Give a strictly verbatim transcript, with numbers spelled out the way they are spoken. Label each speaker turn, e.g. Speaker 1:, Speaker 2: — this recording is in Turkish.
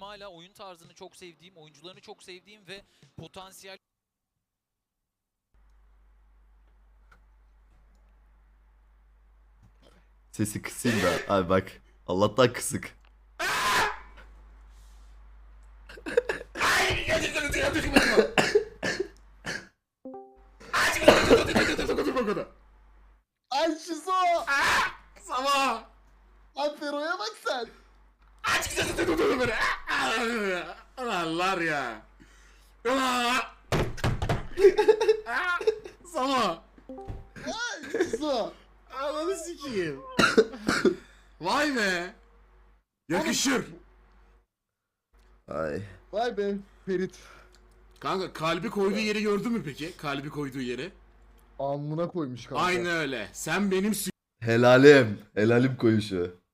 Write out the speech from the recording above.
Speaker 1: hala oyun tarzını çok sevdiğim, oyuncularını çok sevdiğim ve potansiyel...
Speaker 2: Sesi kısayım da. Abi bak. Allah'tan kısık.
Speaker 3: Ay Şizo!
Speaker 4: Sabah!
Speaker 3: Lan Fero'ya bak sen!
Speaker 4: Allah'lar ya. Sabah!
Speaker 3: Ay Şizo!
Speaker 4: Ananı sikeyim. Vay be. Yakışır.
Speaker 2: Ay.
Speaker 3: Vay be Ferit.
Speaker 4: Kanka kalbi koyduğu yeri gördün mü peki? Kalbi koyduğu yeri.
Speaker 3: Alnına koymuş kanka.
Speaker 4: Aynı öyle. Sen benim
Speaker 2: Helalim. Helalim koyuşu.